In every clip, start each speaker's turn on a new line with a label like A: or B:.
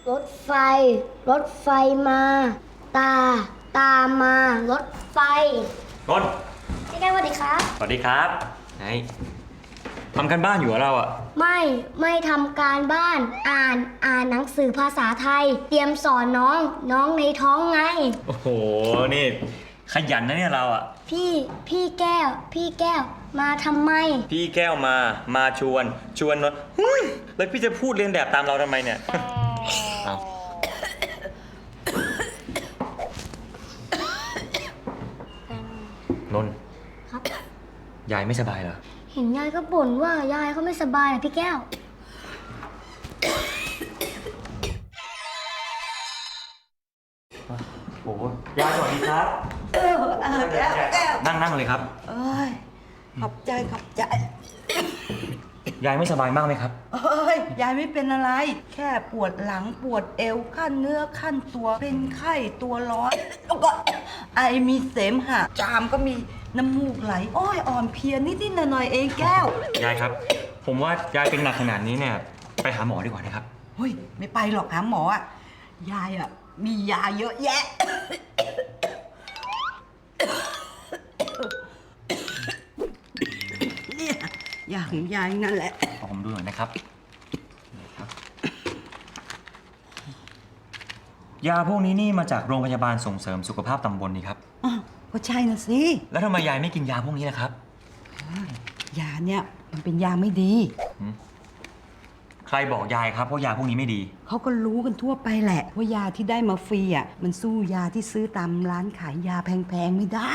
A: รถไฟ รถไฟมา ตา ตามมา รถไฟ
B: ต้น
A: พี่แก้วสวัสดีครับ
B: สวัสดีครับไหนทำกันบ้านอยู่เหรอเราอะ
A: ไม่ทำการบ้าน อ่านหนังสือภาษาไทย เตรียมสอนน้องในท้องไง
B: โอ้โห นี่ขยันนะเนี่ยเราอะ
A: พี่แก้ว มาทำไม
B: พี่แก้วมาชวนนนแล้วพี่จะพูดเรียนแบบตามเราทำไมเนี่ย เอานน
A: ครับ
B: ยายไม่สบายเหรอ
A: เห็นยายก็บ่นว่ายายเขาไม่สบายนะพี่แก้ว
B: โอ้ยายสวัสดีครับ
C: แก้ว
B: นั่งเลยครับ
C: เอ้ยขอบใจ
B: ยายไม่สบายมากไหมครับ
C: เอ้ยยายไม่เป็นอะไร แค่ปวดหลังปวดเอวขั้นเนื้อขั้นตัวเป็นไข้ตัวร้อนแล้วก็ไอมีเสมหะจามก็มีน้ำมูกไหลอ้อยอ่อนเพลียนิดๆหน่อยๆเองแก้วย
B: ายครับ ผมว่ายายเป็นหนักขนาดนี้เนี่ยไปหาหมอดีกว่านะครับ
C: เฮ้ยไม่ไปหรอกหาหมออ่ะยายอ่ะมียาเยอะแยะ เนี่ยยาของยายนั่นแหละ
B: ขอผมดูหน่อยนะครับ ยาพวกนี้นี่มาจากโรงพยาบาลส่งเสริมสุขภาพตำบลนี่ครับ
C: อ้าวก็ใช่นะสิ
B: แล้วทำไมยายไม่กินยาพวกนี้ล่ะครับ
C: ยาเนี่ยมันเป็นยาไม่ดี
B: ใครบอกยายครับว่ายาพวกนี้ไม่ดี
C: เขาก็รู้กันทั่วไปแหละว่ายาที่ได้มาฟรีอ่ะมันสู้ยาที่ซื้อตามร้านขายยาแพงๆไม่ได้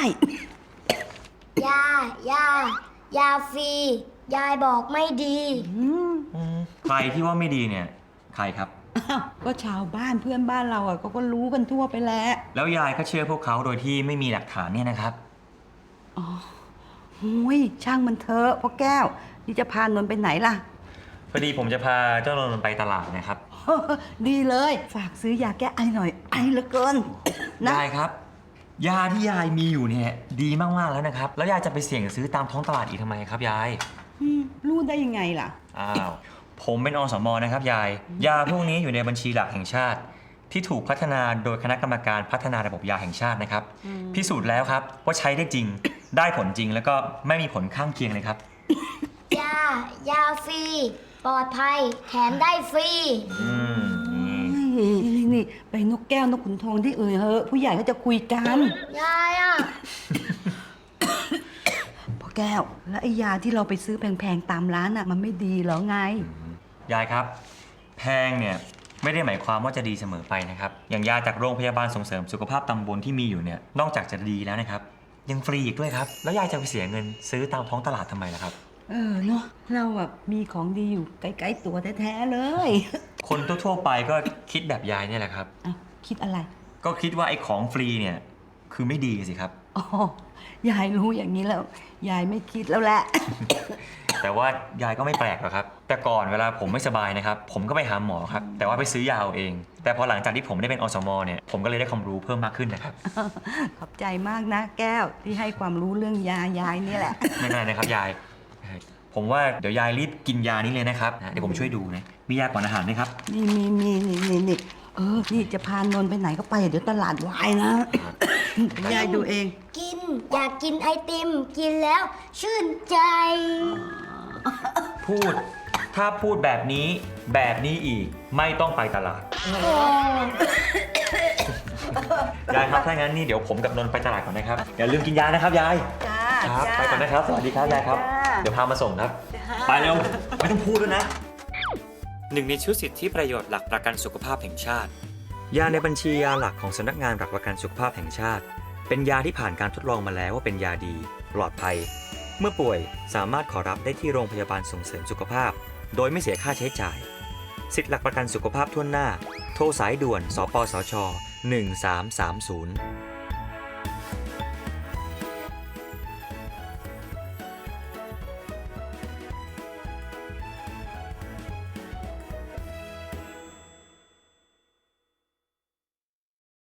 A: ยาฟรี ยายบอกไม่ดี
B: ใครที่ว่าไม่ดีเนี่ย ใครครับ
C: อ้าวก็ชาวบ้านเพื่อนบ้านเราอ่ะเขาก็รู้กันทั่วไปแหล้ว
B: แล้วยายก็เชื่อพวกเขาโดยที่ไม่มีหลักฐานเนี่ยนะครับ
C: หุยช่างมันเถอะพ่อแก้วนี่จะพานนท์ไปไหนล่ะ
B: พอดีผมจะพาเจ้านนท์ไปตลาดนะครับ
C: ดีเลยฝากซื้อยาแก้ไอหน่อยไอเหลือเกินนะ
B: ยายครับ ยาที่ยายมีอยู่เนี่ยดีมากๆแล้วนะครับ แล้วยายจะไปเสี่ยงซื้อตามท้องตลาดอีกทำไมครับยาย
C: รู้ได้ยังไงล่ะ
B: อ้าว ผมเป็นอสมนะครับยาย ยาพวกนี้อยู่ในบัญชีหลักแห่งชาติ ที่ถูกพัฒนาโดยคณะกรรมการพัฒนาระบบยาแห่งชาตินะครับ พิสูจน์แล้วครับว่าใช้ได้จริง ได้ผลจริงแล้วก็ไม่มีผลข้างเคียงเลยครับ
A: ยาฟรี ปลอดภัย แถมได้ฟรี
C: นี่ไปนกแก้วนกขุนทองที่เเหอะผู้ใหญ่เขาจะคุยกัน
A: ยายอ่ะ
C: พ่อแก้ว แล้วไอ้ยาที่เราไปซื้อแพงๆตามร้านอ่ะมันไม่ดีเหรอไง
B: ยายครับ แพงเนี่ยไม่ได้หมายความว่าจะดีเสมอไปนะครับ อย่างยาจากโรงพยาบาลส่งเสริมสุขภาพตำบลที่มีอยู่เนี่ย นอกจากจะดีแล้วนะครับ ยังฟรีอีกด้วยครับ แล้วยายจะไปเสียเงินซื้อตามท้องตลาดทำไมล่ะครับ
C: เนาะเราแบบมีของดีอยู่ใกล้ๆตัวแท้ๆเลย
B: คนทั่วๆไปก็คิดแบบยายเนี่ยแหละครับ
C: อ้าวคิดอะไร
B: ก็คิดว่าไอ้ของฟรีเนี่ยคือไม่ดีสิครับ
C: อ๋อยายรู้อย่างนี้แล้ว ยายไม่คิดแล้วแหละ
B: แต่ว่ายายก็ไม่แปลกหรอกครับ แต่ก่อนเวลาผมไม่สบายนะครับ ผมก็ไปหาหมอครับ แต่ว่าไปซื้อยาเอาเอง แต่พอหลังจากที่ผมได้เป็นอสมเนี่ย ผมก็เลยได้ความรู้เพิ่มมากขึ้นนะครับ
C: ขอบใจมากนะแก้วที่ให้ความรู้เรื่องยายนี่แหละ
B: ไม่เป็นไรนะครับยาย ผมว่าเดี๋ยวยายรีบกินยานี้เลยนะครับ เดี๋ยวผมช่วยดูนะ มียาก่อนอาหารไหมครับ
C: นี่นี่นี่จะพานนท์ไปไหนก็ไปเดี๋ยวตลาดวายนะยายดูเอง
A: อยากกินไอติม กินแล้ว ชื่นใจ
B: ถ้าพูดแบบนี้อีกไม่ต้องไปตลาด ยายครับถ้างั้นนี่เดี๋ยวผมกับนนท์ไปตลาดก่อนนะครับ อย่าลืมกินยานะครับยาย
C: จ้า
B: ครับ
C: จ้า
B: ไปก่อนนะครับ สวัสดีครับยายครับ
C: จ้า
B: เดี๋ยวพามาส่งครับ ไปเร็ว ไม่ต้องพูดด้วยนะ หนึ่งในชุดสิทธิประโยชน์หลักประกันสุขภาพแห่งชาติ ยาในบัญชียาหลักของสำนักงานหลักประกันสุขภาพแห่งชาติ เป็นยาที่ผ่านการทดลองมาแล้วว่าเป็นยาดี ปลอดภัย เมื่อป่วยสามารถขอรับได้ที่โรงพยาบาลส่งเสริมสุขภาพ โดยไม่เสียค่าใช้จ่าย สิทธิหลักประกันสุขภาพทั่วหน้า โทรสายด่วน สปสช 1330